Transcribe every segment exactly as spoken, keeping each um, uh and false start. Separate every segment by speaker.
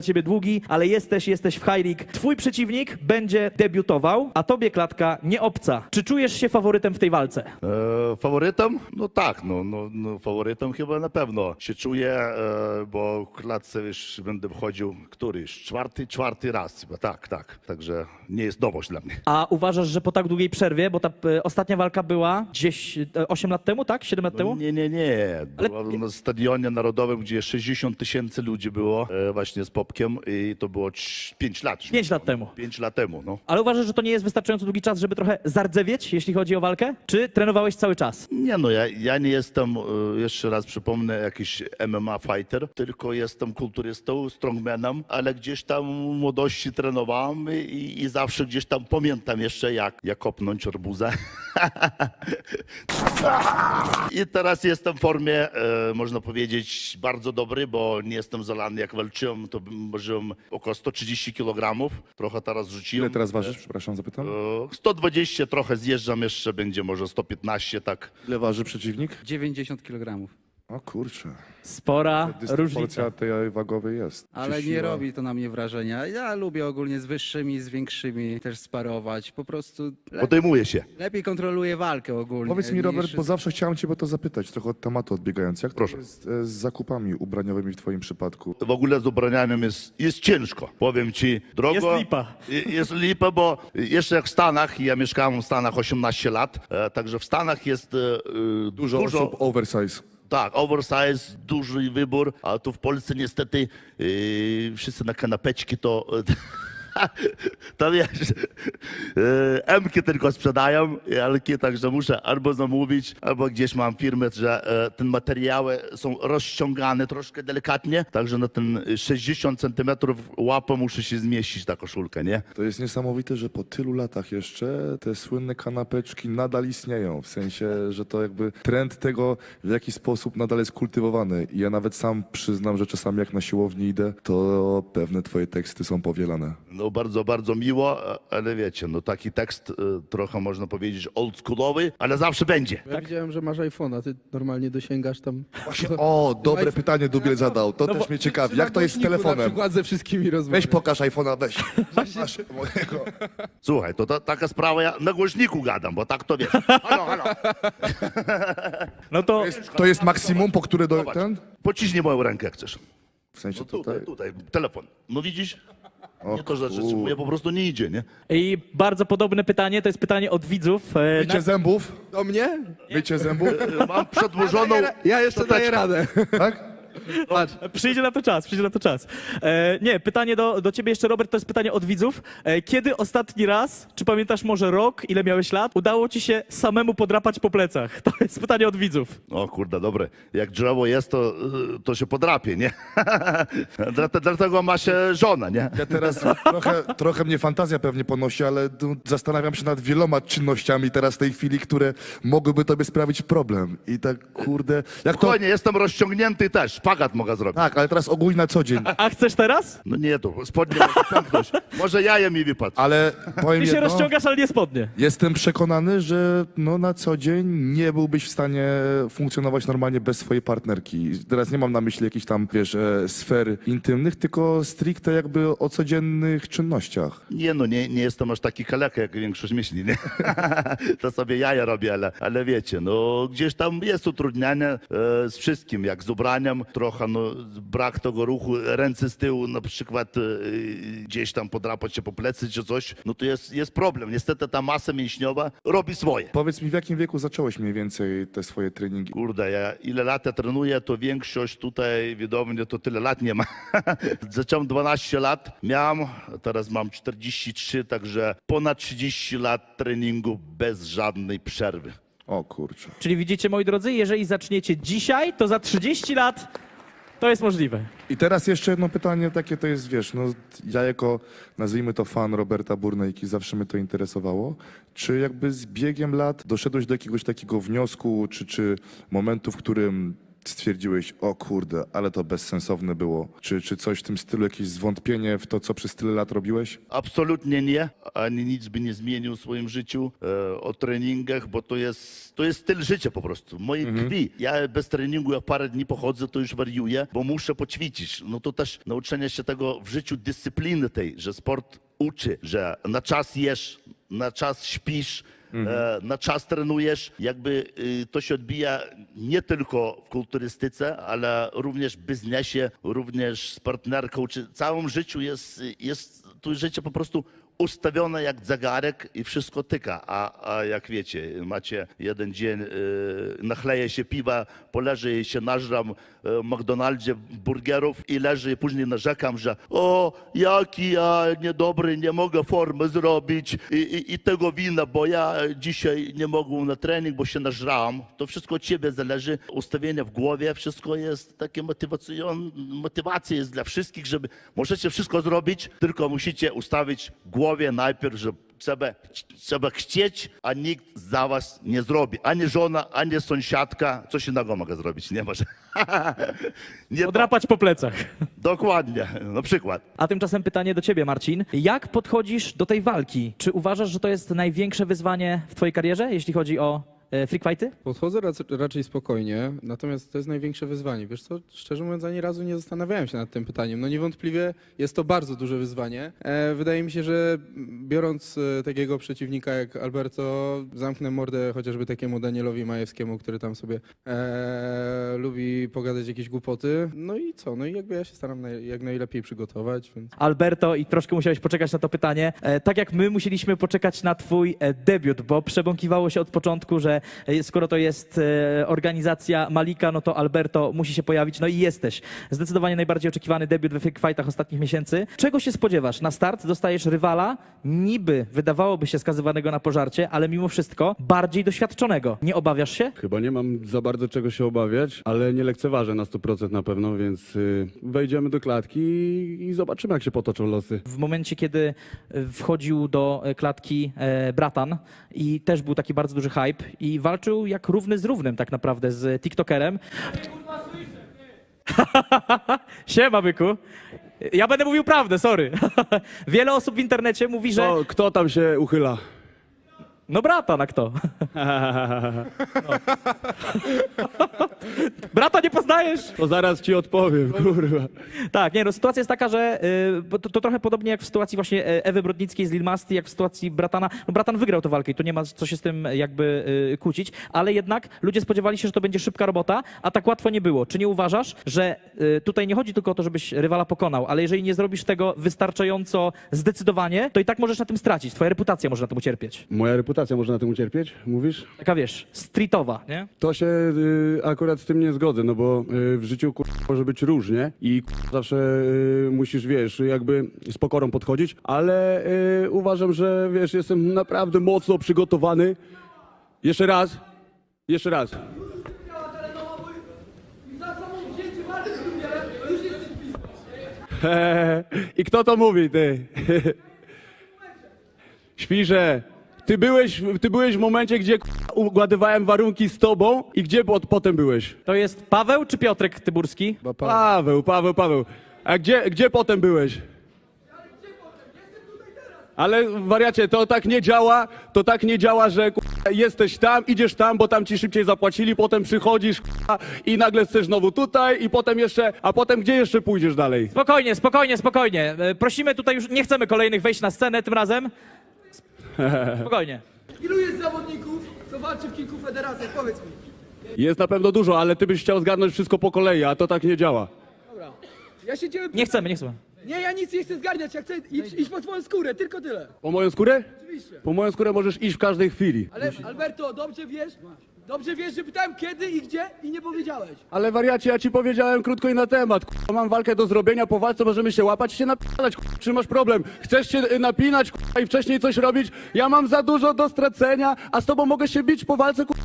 Speaker 1: ciebie długi, ale jesteś, jesteś w high league. Twój przeciwnik będzie debiutował, a tobie klatka nie obca. Czy czujesz się faworytem w tej walce?
Speaker 2: E, faworytem? No tak, no, no, no faworytem chyba na pewno się czuję, e, bo w klatce już będę wchodził któryś, czwarty, czwarty raz chyba, tak, tak. Także nie jest nowość dla mnie.
Speaker 1: A uważasz, że po tak długiej przerwie, bo ta e, ostatnia walka była gdzieś e, osiem lat temu, tak? siedem lat temu?
Speaker 2: Nie, nie, nie.
Speaker 1: Ale-
Speaker 2: Była na stadionie narodowym, gdzie sześćdziesiąt tysięcy ludzi było e, właśnie z Popkiem i to było pięć lat. już
Speaker 1: Pięć
Speaker 2: minęło.
Speaker 1: lat temu.
Speaker 2: Pięć lat temu, no.
Speaker 1: Ale uważasz, że to nie jest wystarczająco długi czas, żeby trochę zardzewieć, jeśli chodzi o walkę? Czy trenowałeś cały czas?
Speaker 2: Nie no, ja, ja nie jestem, e, jeszcze raz przypomnę, jakiś M M A fighter, tylko jestem kulturystą, strongmanem, ale gdzieś tam w młodości trenowałem i, i zawsze gdzieś tam pamiętam jeszcze jak, jak kopnąć arbuzę. I teraz jestem w formie, e, można powiedzieć, bardzo dobry, bo nie jestem zalany. Jak walczyłem, to ważyłem około sto trzydzieści kilogramów. Trochę teraz rzuciłem.
Speaker 3: Ile teraz ważysz? Przepraszam, zapytam.
Speaker 2: E, sto dwadzieścia, trochę zjeżdżam jeszcze, będzie może sto piętnaście, tak.
Speaker 3: Ile waży przeciwnik?
Speaker 4: dziewięćdziesiąt kilogramów.
Speaker 3: O kurczę.
Speaker 1: Spora różnica.
Speaker 3: Dysproporcja tej wagowej jest.
Speaker 4: Ale
Speaker 3: Czy
Speaker 4: nie
Speaker 3: siła-
Speaker 4: robi to na mnie wrażenia. Ja lubię ogólnie z wyższymi, z większymi też sparować. Po prostu le
Speaker 2: Podejmuję się.
Speaker 4: lepiej kontroluję walkę ogólnie.
Speaker 3: Powiedz mi,
Speaker 4: niż-
Speaker 3: Robert, bo zawsze chciałem cię o to zapytać, trochę od tematu odbiegając. Jak
Speaker 2: Proszę.
Speaker 3: to jest e, z zakupami ubraniowymi w twoim przypadku?
Speaker 2: W ogóle z ubraniami jest, jest ciężko. Powiem ci, drogo.
Speaker 1: Jest lipa.
Speaker 2: I- Jest lipa, bo jeszcze jak w Stanach, ja mieszkałem w Stanach osiemnaście lat, e, także w Stanach jest e, e,
Speaker 3: Dużo, osób oversize.
Speaker 2: Tak, oversize, duży wybór, a tu w Polsce niestety yy, wszyscy na kanapeczki to... To wiesz, yy, M-ki tylko sprzedają, L-ki, także muszę albo zamówić, albo gdzieś mam firmę, że e, te materiały są rozciągane troszkę delikatnie, także na ten sześćdziesiąt centymetrów łapą muszę się zmieścić ta koszulka, nie?
Speaker 3: To jest niesamowite, że po tylu latach jeszcze te słynne kanapeczki nadal istnieją. W sensie, że to jakby trend tego w jaki sposób nadal jest kultywowany. I ja nawet sam przyznam, że czasami jak na siłowni idę, to pewne twoje teksty są powielane.
Speaker 2: No bardzo, bardzo miło, ale wiecie, no taki tekst e, trochę można powiedzieć oldschoolowy, ale zawsze będzie.
Speaker 5: Ja widziałem, że masz iPhone'a, ty normalnie dosięgasz tam.
Speaker 3: Właśnie, o, dobre
Speaker 5: iPhone-
Speaker 3: pytanie Dubiel zadał. To też mnie ciekawi. Jak to jest z
Speaker 5: Na
Speaker 3: telefonem?
Speaker 5: przykład ze wszystkimi rozmawiam.
Speaker 3: Weź pokaż iPhone'a, weź. Masz mojego.
Speaker 2: Słuchaj, to ta, taka sprawa, ja na głośniku gadam, bo tak to wiesz. Halo, halo.
Speaker 1: No to
Speaker 3: To jest maksimum, po które do
Speaker 2: Zobacz.
Speaker 3: ten?
Speaker 2: Pociśnij moją rękę, jak chcesz.
Speaker 3: W sensie
Speaker 2: No tutaj,
Speaker 3: tutaj.
Speaker 2: tutaj, telefon. No widzisz?
Speaker 3: O
Speaker 2: Nie to, że
Speaker 3: kur-
Speaker 2: zatrzymuję, po prostu nie idzie, nie?
Speaker 1: i bardzo podobne pytanie, to jest pytanie od widzów. E,
Speaker 3: Mycie
Speaker 1: na,
Speaker 3: zębów?
Speaker 5: Do mnie?
Speaker 3: Mycie zębów?
Speaker 2: E, Mam przedłużoną...
Speaker 5: Ja jeszcze daję
Speaker 2: szczoteczkę.
Speaker 5: radę.
Speaker 3: Tak?
Speaker 5: Patrz.
Speaker 1: przyjdzie na to czas, przyjdzie na to czas. E, nie, pytanie do, do ciebie jeszcze, Robert, to jest pytanie od widzów. E, kiedy ostatni raz, czy pamiętasz może rok, ile miałeś lat, udało ci się samemu podrapać po plecach? To jest pytanie od widzów.
Speaker 2: O kurde, dobre. Jak drzewo jest, to, y, to się podrapie, nie? Dlate- Dlatego ma się żona, nie?
Speaker 3: Ja teraz trochę, trochę mnie fantazja pewnie ponosi, ale tu zastanawiam się nad wieloma czynnościami teraz w tej chwili, które mogłyby tobie sprawić problem. I tak, kurde, jak to...
Speaker 2: Spokojnie, jestem rozciągnięty też. Szpagat mogę zrobić.
Speaker 3: Tak, ale teraz ogólnie na co dzień.
Speaker 1: A chcesz teraz?
Speaker 2: No nie, to spodnie mogę pęknąć. Może jajem mi wypadł.
Speaker 3: Ale powiem
Speaker 1: Ty się
Speaker 3: jedno,
Speaker 1: rozciągasz, ale nie spodnie.
Speaker 3: jestem przekonany, że no na co dzień nie byłbyś w stanie funkcjonować normalnie bez swojej partnerki. Teraz nie mam na myśli jakichś tam, wiesz, e, sfer intymnych, tylko stricte jakby o codziennych czynnościach.
Speaker 2: Nie no, nie, nie jestem aż taki kaleka, jak większość myśli, nie? To sobie jaja robię, ale, ale wiecie, no gdzieś tam jest utrudnianie e, z wszystkim, jak z ubraniem, trochę no, brak tego ruchu, ręce z tyłu na przykład e, gdzieś tam podrapać się po plecy czy coś, no to jest, jest problem. Niestety ta masa mięśniowa robi swoje.
Speaker 3: Powiedz mi, w jakim wieku zacząłeś mniej więcej te swoje treningi?
Speaker 2: Kurde, ja ile lat ja trenuję, to większość tutaj widownie to tyle lat nie ma. Zacząłem dwanaście lat, miałem, teraz mam czterdzieści trzy, także ponad trzydzieści lat treningu bez żadnej przerwy.
Speaker 3: O kurczę.
Speaker 1: Czyli widzicie, moi drodzy, jeżeli zaczniecie dzisiaj, to za trzydzieści lat to jest możliwe.
Speaker 3: I teraz jeszcze jedno pytanie takie to jest, wiesz, no ja jako, nazwijmy to fan Roberta Burnejki, zawsze mnie to interesowało. Czy jakby z biegiem lat doszedłeś do jakiegoś takiego wniosku, czy, czy momentu, w którym stwierdziłeś, o kurde, ale to bezsensowne było? Czy, czy coś w tym stylu, jakieś zwątpienie w to, co przez tyle lat robiłeś?
Speaker 2: Absolutnie nie. Ani nic by nie zmienił w swoim życiu e, o treningach, bo to jest, to jest styl życia po prostu. W mojej krwi. Ja bez treningu, jak parę dni pochodzę, to już wariuję, bo muszę poćwiczyć. No to też nauczenie się tego w życiu, dyscypliny tej, że sport uczy, że na czas jesz, na czas śpisz, e, na czas trenujesz. Jakby y, to się odbija nie tylko w kulturystyce, ale również w biznesie, również z partnerką, czy w całym życiu jest, jest tu życie po prostu ustawione jak zegarek i wszystko tyka. A, a jak wiecie, macie jeden dzień, y, nachleję się piwa, poleżę i się nażram w McDonaldzie burgerów i leżę i później narzekam, że o, jaki ja niedobry, nie mogę formy zrobić i, i, i tego wina, bo ja dzisiaj nie mogłem na trening, bo się nażrałem. To wszystko od ciebie zależy, ustawienie w głowie, wszystko jest takie motywacjon, motywacja jest dla wszystkich, żeby możecie wszystko zrobić, tylko musicie ustawić w głowie najpierw, że trzeba, trzeba chcieć, a nikt za was nie zrobi. Ani żona, ani sąsiadka. Coś innego mogę zrobić, nie może. nie to.
Speaker 1: Podrapać po plecach.
Speaker 2: Dokładnie, na przykład.
Speaker 1: A tymczasem pytanie do ciebie, Marcin. Jak podchodzisz do tej walki? Czy uważasz, że to jest największe wyzwanie w twojej karierze, jeśli chodzi o e, freak fighty?
Speaker 5: Podchodzę rac- raczej spokojnie, natomiast to jest największe wyzwanie. Wiesz co, szczerze mówiąc, ani razu nie zastanawiałem się nad tym pytaniem. No niewątpliwie jest to bardzo duże wyzwanie. E, wydaje mi się, że biorąc e, takiego przeciwnika jak Alberto, zamknę mordę chociażby takiemu Danielowi Majewskiemu, który tam sobie e, lubi pogadać jakieś głupoty. No i co? No i jakby ja się staram naj- jak najlepiej przygotować, więc...
Speaker 1: Alberto, i troszkę musiałeś poczekać na to pytanie, e, tak jak my musieliśmy poczekać na twój e, debiut, bo przebąkiwało się od początku, że e, skoro to jest e, organizacja Malika, no to Alberto musi się pojawić, no i jesteś. Zdecydowanie najbardziej oczekiwany debiut we freak fightach ostatnich miesięcy. Czego się spodziewasz? Na start dostajesz rywala, niby wydawałoby się skazywanego na pożarcie, ale mimo wszystko bardziej doświadczonego. Nie obawiasz się?
Speaker 6: Chyba nie mam za bardzo czego się obawiać, ale nie lekceważę na sto procent na pewno, więc y, wejdziemy do klatki i, i zobaczymy, jak się potoczą losy.
Speaker 1: W momencie, kiedy e, wchodził do e, klatki e, Bratan i też był taki bardzo duży hype i walczył jak równy z równym tak naprawdę z TikTokerem. Siema, byku. Ja będę mówił prawdę, sorry. Wiele osób w internecie mówi, że...
Speaker 6: Kto, kto tam się uchyla?
Speaker 1: No Bratan, a kto? No. Brata nie poznajesz?
Speaker 6: To zaraz ci odpowiem, kurwa.
Speaker 1: Tak, nie, no sytuacja jest taka, że y, bo to, to trochę podobnie jak w sytuacji właśnie e, Ewy Brodnickiej z Lil Masti, jak w sytuacji Bratana. No Bratan wygrał tę walkę i tu nie ma co się z tym jakby y, kłócić, ale jednak ludzie spodziewali się, że to będzie szybka robota, a tak łatwo nie było. Czy nie uważasz, że y, tutaj nie chodzi tylko o to, żebyś rywala pokonał, ale jeżeli nie zrobisz tego wystarczająco zdecydowanie, to i tak możesz na tym stracić. Twoja reputacja może na tym ucierpieć.
Speaker 6: Moja reputacja może na tym ucierpieć, mówisz?
Speaker 1: Taka wiesz, streetowa, nie?
Speaker 6: To się y, akurat z tym nie zgodzę, no bo y, w życiu kur... może być różnie i kur... zawsze y, musisz, wiesz, jakby z pokorą podchodzić, ale y, uważam, że wiesz, jestem naprawdę mocno przygotowany. Jeszcze raz, jeszcze raz. I kto to mówi, ty? Świrze, ty byłeś, ty byłeś w momencie, gdzie k***a, ugadywałem warunki z tobą i gdzie po- potem byłeś?
Speaker 1: To jest Paweł czy Piotrek Tyburski?
Speaker 5: Ba- pa-
Speaker 6: Paweł, Paweł, Paweł. A gdzie, gdzie potem byłeś? Ale wariacie, to tak nie działa, to tak nie działa, że k***a, jesteś tam, idziesz tam, bo tam ci szybciej zapłacili, potem przychodzisz k***a, i nagle chcesz znowu tutaj i potem jeszcze, a potem gdzie jeszcze pójdziesz dalej?
Speaker 1: Spokojnie, spokojnie, spokojnie. E, Prosimy tutaj już, nie chcemy kolejnych wejść na scenę tym razem. Spokojnie.
Speaker 7: Ilu jest zawodników, co walczy w kilku federacjach? Powiedz mi.
Speaker 6: Jest na pewno dużo, ale ty byś chciał zgarnąć wszystko po kolei, a to tak nie działa.
Speaker 7: Dobra. Ja się ciebie
Speaker 1: Nie
Speaker 7: pytam.
Speaker 1: chcemy, nie chcemy.
Speaker 7: Nie, ja nic nie chcę zgarniać, ja chcę iść, iść po twoją skórę, tylko tyle.
Speaker 6: Po moją skórę?
Speaker 7: Oczywiście.
Speaker 6: Po moją skórę możesz iść w każdej chwili.
Speaker 7: Ale Alberto, dobrze wiesz, dobrze wiesz, że pytałem kiedy i gdzie i nie powiedziałeś.
Speaker 6: Ale wariacie, ja ci powiedziałem krótko i na temat. K***a, mam walkę do zrobienia, po walce możemy się łapać i się napinać. K***a, czy masz problem? Chcesz się y, napinać k***a, i wcześniej coś robić? Ja mam za dużo do stracenia, a z tobą mogę się bić po walce k***a,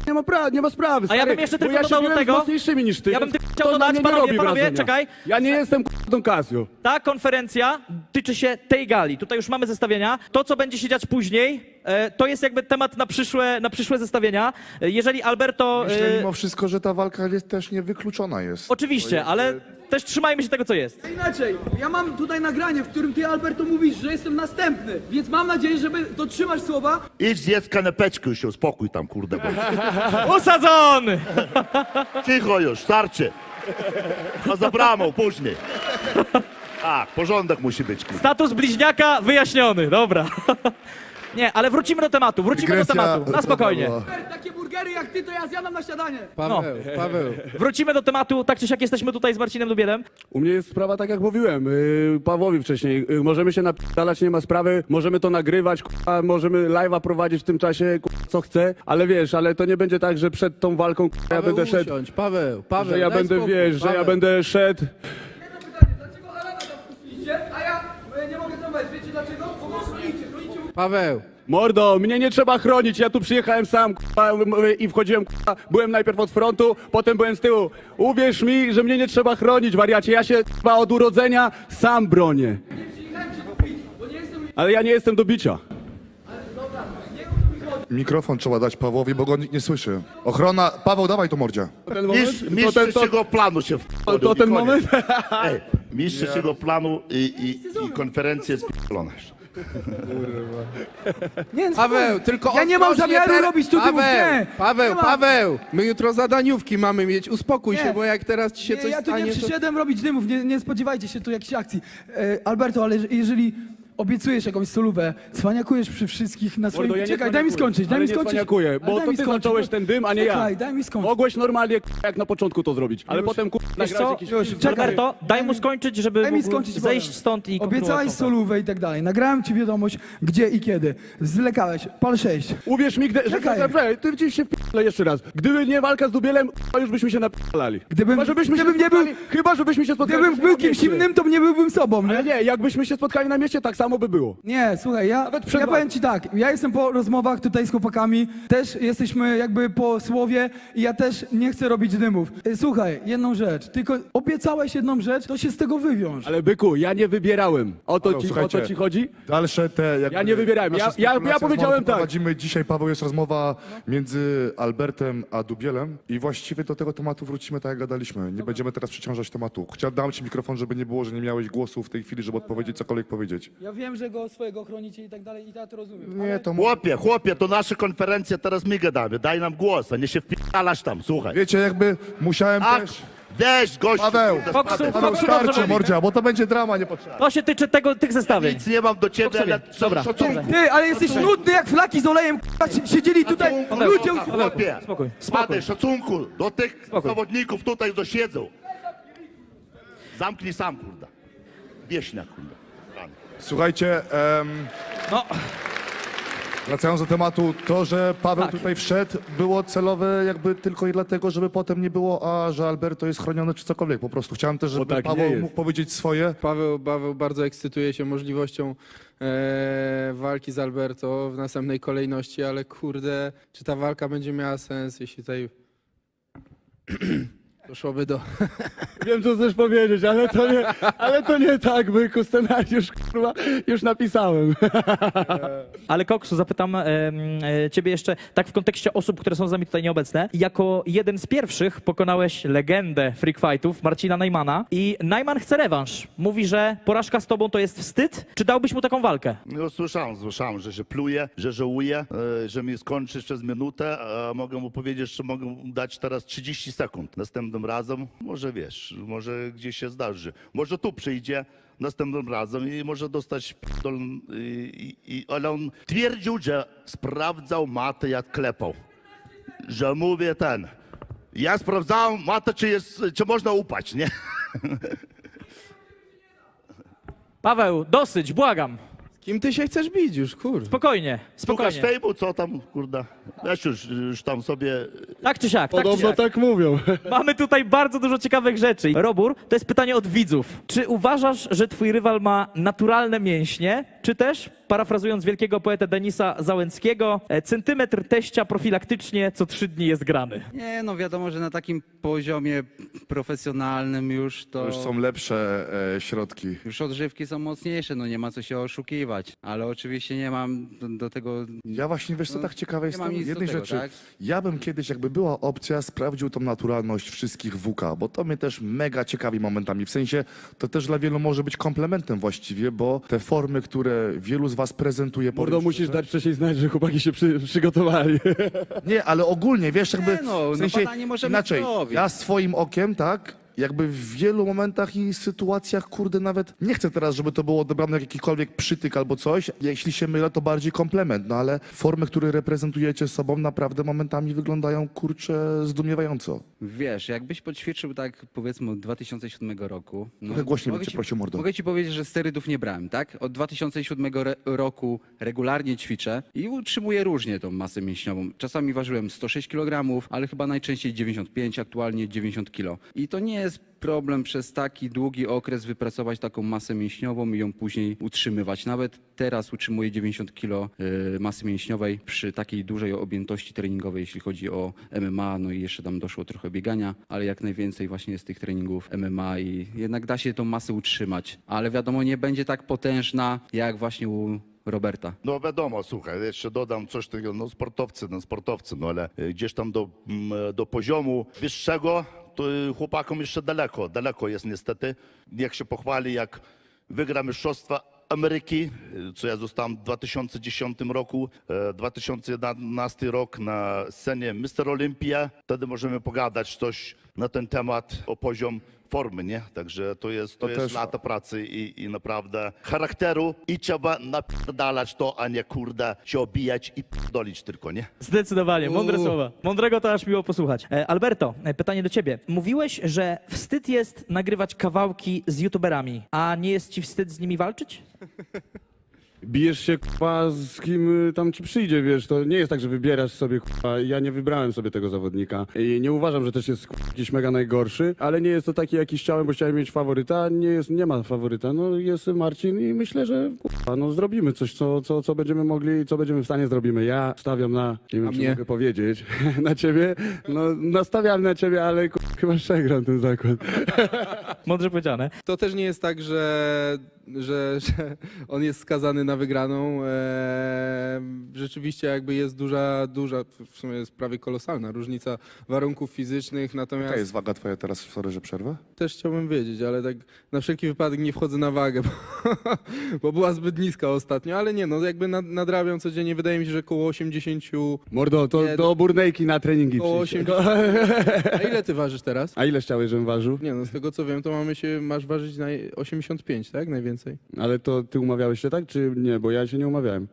Speaker 6: nie ma, pra- nie ma sprawy,
Speaker 1: A ja
Speaker 6: stary,
Speaker 1: bym jeszcze
Speaker 6: bo
Speaker 1: tylko
Speaker 6: ja się
Speaker 1: dodał do
Speaker 6: biłem z
Speaker 1: tego-
Speaker 6: mocniejszymi niż ty,
Speaker 1: Ja bym
Speaker 6: więc
Speaker 1: tylko chciał
Speaker 6: to na
Speaker 1: dodać,
Speaker 6: mnie nie
Speaker 1: panowie,
Speaker 6: robi
Speaker 1: panowie,
Speaker 6: wrażenia.
Speaker 1: czekaj.
Speaker 6: Ja nie jestem k***a Don Casio.
Speaker 1: Ta konferencja tyczy się tej gali. Tutaj już mamy zestawienia. To, co będzie się dziać później, e, to jest jakby temat na przyszłe, na przyszłe zestawienia. E, Jeżeli Alberto...
Speaker 3: Myślę
Speaker 1: e,
Speaker 3: mimo wszystko, że ta walka jest też niewykluczona jest.
Speaker 1: Oczywiście, ale też trzymajmy się tego, co jest.
Speaker 7: Inaczej, ja mam tutaj nagranie, w którym ty, Alberto, mówisz, że jestem następny, więc mam nadzieję, że dotrzymasz słowa.
Speaker 2: Idź zjedz kanapeczkę już się uspokój tam, kurde. Bo...
Speaker 1: Usadzony!
Speaker 2: Cicho już, starczy. A za bramą później. A, porządek musi być, kurde.
Speaker 1: Status bliźniaka wyjaśniony, dobra. Nie, ale wrócimy do tematu, wrócimy
Speaker 3: Dygresja
Speaker 1: do tematu, na spokojnie.
Speaker 3: była.
Speaker 7: Takie burgery jak ty, to ja zjadam na śniadanie.
Speaker 4: Paweł, Paweł.
Speaker 1: Wrócimy do tematu, tak czy siak jesteśmy tutaj z Marcinem Dubielem.
Speaker 6: U mnie jest sprawa tak jak mówiłem, yy, Pawłowi wcześniej, yy, możemy się napisać, nie ma sprawy, możemy to nagrywać, k***a, możemy live'a prowadzić w tym czasie, k***a, co chcę, ale wiesz, ale to nie będzie tak, że przed tą walką k***a, ja
Speaker 4: Paweł,
Speaker 6: będę szedł,
Speaker 4: usiądź, Paweł, Paweł,
Speaker 6: że ja
Speaker 4: daj
Speaker 6: będę,
Speaker 4: spokój,
Speaker 6: wiesz, że ja
Speaker 4: Paweł.
Speaker 6: będę szedł.
Speaker 7: Jedno pytanie, dlaczego Alana tam puściliście, a ja e, nie mogę tam wejść? Wiecie dlaczego? Bo go chronicie, chronicie mu...
Speaker 4: Paweł,
Speaker 6: Mordo, mnie nie trzeba chronić, ja tu przyjechałem sam k***a, i wchodziłem, k***a, byłem najpierw od frontu, potem byłem z tyłu. Uwierz mi, że mnie nie trzeba chronić, wariacie, ja się k***a, od urodzenia sam bronię.
Speaker 7: Nie przyjechałem cię tu bić, bo nie jestem...
Speaker 6: Ale ja nie jestem do bicia.
Speaker 3: Mikrofon trzeba dać Pawłowi, bo go nikt nie słyszy. Ochrona... Paweł, dawaj to mordzia.
Speaker 6: Ten
Speaker 2: Mistrz,
Speaker 6: to
Speaker 2: mistrz
Speaker 6: ten, to,
Speaker 2: trzeciego planu się
Speaker 6: to, to ten moment?
Speaker 2: Ej, mistrz trzeciego planu i, i, i konferencja jest p***lona.
Speaker 7: Nie,
Speaker 4: Paweł, tylko
Speaker 7: Ja nie mam
Speaker 4: ostrożnie
Speaker 7: zamiaru
Speaker 4: teraz-
Speaker 7: robić tu dymów,
Speaker 4: Paweł,
Speaker 7: nie.
Speaker 4: Paweł,
Speaker 7: Nie ma.
Speaker 4: Paweł, my jutro zadaniówki mamy mieć, uspokój
Speaker 7: Nie.
Speaker 4: się, bo jak teraz ci się
Speaker 7: Nie,
Speaker 4: coś
Speaker 7: ja tu
Speaker 4: stanie,
Speaker 7: nie
Speaker 4: to...
Speaker 7: przyszedłem robić dymów, nie, nie spodziewajcie się tu jakichś akcji. E, Alberto, ale że- jeżeli obiecujesz jakąś solówę, cwaniakujesz przy wszystkich na swoim...
Speaker 6: Mordo, ja nie
Speaker 7: Czekaj, daj mi
Speaker 6: cwaniakuję,
Speaker 7: skończyć, daj
Speaker 6: ale
Speaker 7: mi
Speaker 6: nie
Speaker 7: skończyć.
Speaker 6: cwaniakuję,
Speaker 7: Ale
Speaker 6: bo
Speaker 7: daj
Speaker 6: to
Speaker 7: mi
Speaker 6: ty
Speaker 7: skończyć,
Speaker 6: zacząłeś
Speaker 7: bo-
Speaker 6: ten dym, a nie ja.
Speaker 7: Czekaj, daj mi skończyć.
Speaker 6: Mogłeś normalnie k***a, jak na początku to zrobić, ale
Speaker 7: Już.
Speaker 6: potem k***a,
Speaker 1: Wiesz
Speaker 6: nagrać
Speaker 1: co,
Speaker 6: jakiś
Speaker 7: Już,
Speaker 6: film.
Speaker 7: czekaj.
Speaker 1: Alberto, daj mu skończyć, żeby
Speaker 7: Daj mi
Speaker 1: mógł
Speaker 7: skończyć,
Speaker 1: zejść
Speaker 7: powiem.
Speaker 1: stąd i
Speaker 7: Obiecałeś
Speaker 1: kontynuować.
Speaker 7: solówę i tak dalej. Nagrałem ci wiadomość, gdzie i kiedy. Zwlekałeś. Pal sześć.
Speaker 6: Uwierz mi, gdy, że,
Speaker 7: Czekaj.
Speaker 6: że, że, ty gdzieś się wpi***le jeszcze raz. Gdyby nie walka z Dubielem, to już byśmy się napi***lali.
Speaker 7: Gdybym-
Speaker 6: chyba, żebyśmy
Speaker 7: gdybym
Speaker 6: się
Speaker 7: nie był-
Speaker 6: spotkali, chyba, żebyśmy się spotkali
Speaker 7: Gdybym
Speaker 6: byśmy
Speaker 7: był
Speaker 6: na
Speaker 7: kimś
Speaker 6: mieście.
Speaker 7: innym, to nie byłbym sobą,
Speaker 6: Ale
Speaker 7: nie?
Speaker 6: nie, jakbyśmy się spotkali na mieście, tak samo by było.
Speaker 7: Nie, słuchaj, ja,
Speaker 6: Nawet przed
Speaker 7: ja powiem
Speaker 6: walką.
Speaker 7: ci tak, ja jestem po rozmowach tutaj z chłopakami, też jesteśmy jakby po słowie i ja też nie chcę robić dymów. Y, Słuchaj, jedną rzecz, tylko obiecałeś jedną rzecz, to się z tego wywiąż.
Speaker 6: Ale byku, ja nie wybierałem. O to,
Speaker 3: Paweł,
Speaker 6: ci, o
Speaker 3: słuchajcie.
Speaker 6: to ci chodzi?
Speaker 3: Dalsze te... Jakby,
Speaker 6: Ja nie wybierałem. Ja-
Speaker 3: nasze
Speaker 6: ja- ja
Speaker 3: spekulacje
Speaker 6: powiedziałem
Speaker 3: znowu
Speaker 6: tak.
Speaker 3: Prowadzimy dzisiaj, Paweł, jest rozmowa między Albertem a Dubielem i właściwie do tego tematu wrócimy tak jak gadaliśmy. Nie będziemy teraz przeciążać tematu. Chciałem dam ci mikrofon, żeby nie było, że nie miałeś głosu w tej chwili, żeby odpowiedzieć cokolwiek powiedzieć.
Speaker 7: Ja wiem, że go swojego chronicie i tak dalej i ja to rozumiem.
Speaker 3: Nie, to...
Speaker 2: Chłopie, chłopie, to nasza konferencja, teraz my gadamy. Daj nam głos, a nie się wpi***alasz tam, słuchaj.
Speaker 3: Wiecie, jakby musiałem
Speaker 2: Ach,
Speaker 3: też...
Speaker 2: weź gościu.
Speaker 3: Paweł,
Speaker 2: kurde,
Speaker 1: Koksu,
Speaker 2: spadaj.
Speaker 3: Paweł,
Speaker 1: Koksu dobrze
Speaker 3: starczy,
Speaker 1: mówi.
Speaker 3: mordzia, bo to będzie drama niepotrzebna.
Speaker 1: To się tyczy tego, tych zestawień.
Speaker 2: Nic nie mam do ciebie,
Speaker 1: Koksu,
Speaker 2: ale
Speaker 1: dobra,
Speaker 2: szacunku.
Speaker 1: dobra.
Speaker 7: Ty, ale jesteś nudny jak flaki z olejem, k***a, si- siedzieli tutaj
Speaker 2: Paweł,
Speaker 7: ludzie...
Speaker 2: Paweł, chłopie,
Speaker 1: Spokój, spokój.
Speaker 2: spadaj, szacunku do tych
Speaker 1: Spokój.
Speaker 2: zawodników tutaj, co siedzą. Zamknij sam, kurde. Wieśniak, kurde. Rany.
Speaker 3: Słuchajcie, em,
Speaker 1: No,
Speaker 3: wracając do tematu, to, że Paweł
Speaker 1: Tak.
Speaker 3: tutaj wszedł, było celowe jakby tylko i dlatego, żeby potem nie było, a że Alberto jest chroniony czy cokolwiek. Po prostu chciałem też, żeby
Speaker 6: tak nie
Speaker 3: Paweł
Speaker 6: jest.
Speaker 3: mógł powiedzieć swoje.
Speaker 4: Paweł, Paweł bardzo ekscytuje się możliwością e, walki z Alberto w następnej kolejności, ale kurde, czy ta walka będzie miała sens, jeśli tutaj doszłoby do...
Speaker 6: Wiem, co chcesz powiedzieć, ale to nie, ale to nie tak, byku, scenariusz, kurwa, już napisałem.
Speaker 1: ale Koksu, zapytam em, e, ciebie jeszcze, tak w kontekście osób, które są z nami tutaj nieobecne. Jako jeden z pierwszych pokonałeś legendę freak fightów, Marcina Najmana i Najman chce rewanż. Mówi, że porażka z tobą to jest wstyd. Czy dałbyś mu taką walkę?
Speaker 2: No słyszałem, słyszałem, że się pluje, że żałuje, e, że mi skończysz przez minutę, a mogę mu powiedzieć, że mogę mu dać teraz trzydzieści sekund. Następnym razem, może wiesz, może gdzieś się zdarzy. Może tu przyjdzie następnym razem i może dostać p***dol, i, i, ale on twierdził, że sprawdzał matę, jak klepał. Że mówię ten, ja sprawdzałem matę, czy, jest, czy można upaść, nie?
Speaker 1: Paweł, dosyć, błagam.
Speaker 4: Kim ty się chcesz bić już, kurde?
Speaker 1: Spokojnie,
Speaker 2: Słuchasz
Speaker 1: spokojnie.
Speaker 2: fejmu, co tam, kurde? Weź już, już tam sobie
Speaker 1: Tak czy siak, tak czy
Speaker 6: Podobno
Speaker 1: siak.
Speaker 6: tak mówią.
Speaker 1: Mamy tutaj bardzo dużo ciekawych rzeczy. Robur, to jest pytanie od widzów. Czy uważasz, że twój rywal ma naturalne mięśnie, czy też, parafrazując wielkiego poetę Denisa Załęckiego, e, centymetr teścia profilaktycznie co trzy dni jest grany?
Speaker 8: Nie, no wiadomo, że na takim poziomie profesjonalnym już to...
Speaker 3: To już są lepsze e, środki.
Speaker 8: Już odżywki są mocniejsze, no nie ma co się oszukiwać. Ale oczywiście nie mam do, do tego...
Speaker 3: Ja właśnie, wiesz co,
Speaker 8: No,
Speaker 3: tak ciekawe
Speaker 8: nie mam
Speaker 3: jestem
Speaker 8: nic do
Speaker 3: jednej
Speaker 8: tego,
Speaker 3: rzeczy.
Speaker 8: tak?
Speaker 3: Ja bym kiedyś, jakby była opcja, sprawdził tą naturalność wszystkich W K, bo to mnie też mega ciekawi momentami. W sensie, to też dla wielu może być komplementem właściwie, bo te formy, które wielu z was prezentuje...
Speaker 6: Mordo,
Speaker 3: powiem
Speaker 6: musisz
Speaker 3: szczerze-
Speaker 6: dać wcześniej znać, że chłopaki się przy, przygotowali.
Speaker 3: Nie, ale ogólnie, wiesz, jakby
Speaker 8: Nie no,
Speaker 3: w
Speaker 8: no
Speaker 3: sensie
Speaker 8: badanie możemy
Speaker 3: inaczej,
Speaker 8: zrobić.
Speaker 3: ja swoim okiem, tak, jakby w wielu momentach i sytuacjach, kurde, nawet nie chcę teraz, żeby to było odebrane jak jakikolwiek przytyk albo coś. Jeśli się mylę, to bardziej komplement, no ale formy, które reprezentujecie sobą, naprawdę momentami wyglądają, kurczę, zdumiewająco.
Speaker 8: Wiesz, jakbyś poćwiczył tak powiedzmy od dwa tysiące siódmego roku... No,
Speaker 3: Trochę głośniej
Speaker 8: mogę
Speaker 3: bym cię
Speaker 8: ci-
Speaker 3: prosił, mordo.
Speaker 8: Mogę ci powiedzieć, że sterydów nie brałem, tak? Od dwa tysiące siódmego re- roku regularnie ćwiczę i utrzymuję różnie tą masę mięśniową. Czasami ważyłem sto sześć kilogramów, ale chyba najczęściej dziewięćdziesiąt pięć, aktualnie dziewięćdziesiąt kilo. I to nie jest problem przez taki długi okres wypracować taką masę mięśniową i ją później utrzymywać. Nawet teraz utrzymuję dziewięćdziesiąt kilo y, masy mięśniowej przy takiej dużej objętości treningowej, jeśli chodzi o M M A, no i jeszcze tam doszło trochę biegania, ale jak najwięcej właśnie jest tych treningów M M A i jednak da się tą masę utrzymać. Ale wiadomo, nie będzie tak potężna jak właśnie u Roberta.
Speaker 2: No wiadomo, słuchaj, jeszcze dodam coś takiego, no sportowcy, no sportowcy, no ale y, gdzieś tam do, mm, do poziomu wyższego, to y, chłopakom jeszcze daleko, daleko jest niestety. Niech się pochwali, jak wygra Mistrzostwa Ameryki, y, co ja zostałem w dwa tysiące dziesiątym roku, e, dwa tysiące jedenasty rok na scenie mister Olympia. Wtedy możemy pogadać coś na ten temat, o poziom formy, nie? Także to jest, to
Speaker 3: To
Speaker 2: jest
Speaker 3: też-
Speaker 2: lata pracy i, i naprawdę charakteru i trzeba napierdalać to, a nie kurde się obijać i pierdolić tylko, nie?
Speaker 1: Zdecydowanie, mądre
Speaker 8: Uuu.
Speaker 1: słowa. Mądrego to aż miło posłuchać. E, Alberto, e, pytanie do ciebie. Mówiłeś, że wstyd jest nagrywać kawałki z youtuberami, a nie jest ci wstyd z nimi walczyć?
Speaker 6: Bijesz się, k***a, z kim y, tam ci przyjdzie, wiesz, to nie jest tak, że wybierasz sobie, k***a, ja nie wybrałem sobie tego zawodnika i nie uważam, że też jest k***a, jakiś mega najgorszy, ale nie jest to taki, jaki chciałem, bo chciałem mieć faworyta, nie jest, nie ma faworyta, no jest Marcin i myślę, że k***a, no zrobimy coś, co, co, co będziemy mogli, co będziemy w stanie zrobimy. Ja stawiam na, nie wiem,
Speaker 4: A
Speaker 6: czy
Speaker 4: mnie?
Speaker 6: mogę powiedzieć, na ciebie, no nastawiam na ciebie, ale k***a, chyba przegram ten zakład.
Speaker 1: Mądrze powiedziane.
Speaker 4: To też nie jest tak, że, że, że on jest skazany na wygraną. Eee, rzeczywiście jakby jest duża, duża, w sumie jest prawie kolosalna różnica warunków fizycznych, natomiast
Speaker 3: Jaka jest waga twoja teraz, sorry, że przerwę?
Speaker 4: też chciałbym wiedzieć, ale tak na wszelki wypadek nie wchodzę na wagę, bo, bo była zbyt niska ostatnio, ale nie, no jakby nad, nadrabiam codziennie, wydaje mi się, że koło osiemdziesiąt,
Speaker 6: Mordo, to
Speaker 4: Nie,
Speaker 6: do Burnejki na treningi
Speaker 4: koło
Speaker 6: przyjdź.
Speaker 4: osiemdziesiąt. A ile ty ważysz teraz?
Speaker 6: A ile chciałeś, żebym ważył?
Speaker 4: Nie no, z tego co wiem, to mamy się, masz ważyć na osiemdziesiąt pięć, tak? Najwięcej.
Speaker 6: Ale to ty umawiałeś się tak, czy nie? Bo ja się nie umawiałem.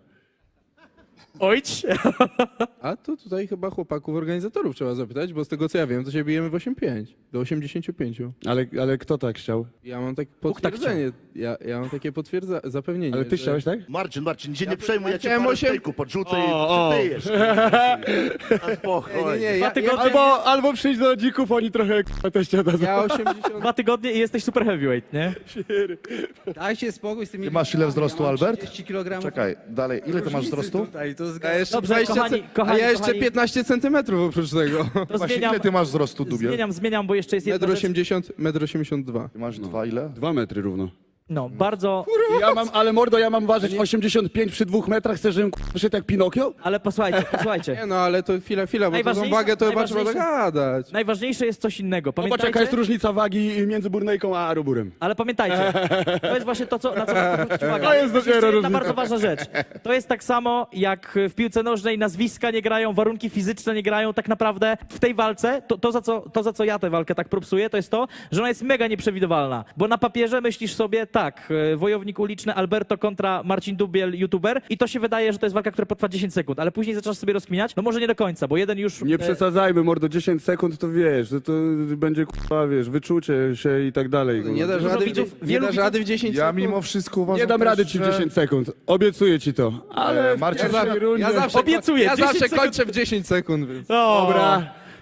Speaker 1: Ojcz!
Speaker 4: A to tutaj chyba chłopaków organizatorów trzeba zapytać, bo z tego co ja wiem, to się bijemy w osiem pięć, do osiemdziesiąt pięć.
Speaker 6: Ale, ale kto tak chciał?
Speaker 4: Ja mam takie
Speaker 1: Bóg tak
Speaker 4: potwierdzenie, ja, ja mam takie potwierdza, zapewnienie.
Speaker 6: Ale ty
Speaker 4: że-
Speaker 6: chciałeś tak?
Speaker 2: Marcin, Marcin, się nie przejmuj, ja cię
Speaker 4: chciałem
Speaker 2: parę
Speaker 4: osiem-
Speaker 2: stejków podrzucę
Speaker 6: O,
Speaker 2: i
Speaker 6: o.
Speaker 2: przytyjesz. Na
Speaker 4: Nie,
Speaker 2: spokojnie.
Speaker 4: nie, nie,
Speaker 1: Dwa
Speaker 4: ja,
Speaker 1: tygodnie-
Speaker 4: ja,
Speaker 6: Albo, albo przyjdź do dzików, oni trochę k***a, teścia dadzą.
Speaker 4: ja osiemdziesiąt...
Speaker 1: Dwa tygodnie i jesteś super heavyweight, nie?
Speaker 8: Dajcie spokój z tymi...
Speaker 3: Ty masz ile wzrostu,
Speaker 8: ja mam
Speaker 3: Albert?
Speaker 8: trzydzieści kilogramów.
Speaker 3: Czekaj, dalej, ile ty masz wzrostu?
Speaker 8: Tutaj, to
Speaker 4: A
Speaker 8: zgadza.
Speaker 4: jeszcze
Speaker 1: Dobrze,
Speaker 4: dwadzieścia
Speaker 1: kochani,
Speaker 4: ce-
Speaker 1: kochani,
Speaker 4: a ja jeszcze
Speaker 1: kochani.
Speaker 4: piętnaście centymetrów oprócz tego.
Speaker 1: To
Speaker 3: Właśnie,
Speaker 1: zmieniam,
Speaker 3: ile ty masz wzrostu, Dubiel?
Speaker 1: zmieniam, zmieniam, bo jeszcze jest jedna
Speaker 4: Metr
Speaker 1: rzecz.
Speaker 4: osiemdziesiąt, metr osiemdziesiąt dwa.
Speaker 3: Ty masz dwa ile?
Speaker 6: Dwa metry równo.
Speaker 1: No, bardzo...
Speaker 6: Ja mam, ale mordo, ja mam ważyć osiemdziesiąt pięć przy dwóch metrach, chcesz, żebym k***a, przyszedł jak Pinokio?
Speaker 1: Ale posłuchajcie, posłuchajcie.
Speaker 4: Nie no, ale to chwila, chwila, bo to tą
Speaker 1: Najważniejsze-
Speaker 4: wagę to chyba trzeba
Speaker 1: najważniejsze-
Speaker 4: dogadać.
Speaker 1: Najważniejsze jest coś innego.
Speaker 6: Zobacz, jaka
Speaker 1: Pamiętajcie,
Speaker 6: jest różnica wagi między Burnejką a Roburem.
Speaker 1: ale pamiętajcie, to jest właśnie to, co, na co warto zwrócić uwagę.
Speaker 6: To jest
Speaker 1: Jeszcze
Speaker 6: dopiero
Speaker 1: jedna
Speaker 6: różnica.
Speaker 1: bardzo ważna rzecz. To jest tak samo, jak w piłce nożnej nazwiska nie grają, warunki fizyczne nie grają. Tak naprawdę w tej walce, to, to, za co, to za co ja tę walkę tak propsuję, to jest to, że ona jest mega nieprzewidywalna. Bo na papierze myślisz sobie, tak, e, wojownik uliczny Alberto kontra Marcin Dubiel, youtuber, i to się wydaje, że to jest walka, która potrwa dziesięć sekund, ale później zaczynasz sobie rozkminiać, no może nie do końca, bo jeden już...
Speaker 6: Nie
Speaker 1: e,
Speaker 6: przesadzajmy, mordo, dziesięć sekund to wiesz, to, to będzie k***a, wiesz, wyczucie się i tak dalej.
Speaker 4: Nie dasz
Speaker 1: Dużo
Speaker 4: rady, w,
Speaker 1: widzów-
Speaker 4: nie
Speaker 1: wielu
Speaker 4: dasz
Speaker 1: widzów-
Speaker 4: rady w dziesięć
Speaker 3: Ja
Speaker 4: sekund.
Speaker 3: mimo wszystko uważam
Speaker 6: Nie dam
Speaker 3: też,
Speaker 6: rady ci w
Speaker 3: że-
Speaker 6: dziesięć sekund, obiecuję ci to. Ale
Speaker 3: E, Marcin,
Speaker 6: w pierwszej
Speaker 4: Ja,
Speaker 6: rundzie...
Speaker 4: ja zawsze,
Speaker 1: Obiecuję,
Speaker 4: ja
Speaker 1: dziesięć
Speaker 4: zawsze
Speaker 1: sekund.
Speaker 4: kończę w dziesięć sekund. Więc.
Speaker 1: O,
Speaker 6: Dobra,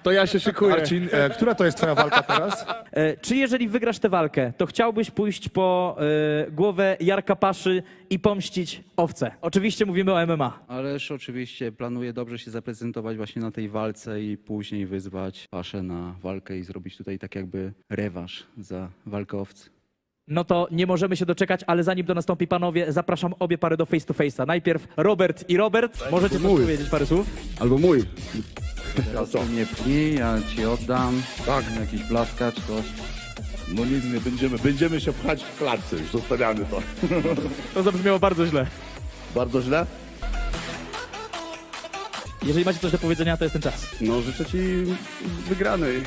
Speaker 6: To ja się szykuję.
Speaker 3: Marcin, e, która to jest twoja walka teraz?
Speaker 1: E, czy jeżeli wygrasz tę walkę, to chciałbyś pójść po e, głowę Jarka Paszy i pomścić owce? Oczywiście mówimy o M M A.
Speaker 8: Ależ oczywiście planuję dobrze się zaprezentować właśnie na tej walce i później wyzwać Paszę na walkę i zrobić tutaj tak jakby rewanż za walkę owcy.
Speaker 1: No to nie możemy się doczekać, ale zanim to nastąpi, panowie, zapraszam obie pary do face to face'a. Najpierw Robert i Robert. Możecie coś
Speaker 6: mój.
Speaker 1: powiedzieć, parę słów?
Speaker 6: Albo mój.
Speaker 8: Teraz ty mnie pchnij, ja ci oddam. Tak. Jakiś blaskacz, coś.
Speaker 2: No nic nie będziemy, będziemy się pchać w klatce, już zostawiamy to.
Speaker 1: To zabrzmiało bardzo źle.
Speaker 2: Bardzo źle?
Speaker 1: Jeżeli macie coś do powiedzenia, to jest ten czas.
Speaker 6: No życzę ci wygranej.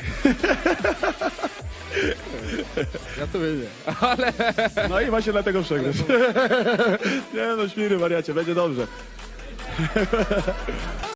Speaker 4: Ja to wiedziałem.
Speaker 6: No i właśnie dlatego przegrasz. Nie no, świry wariacie, będzie dobrze.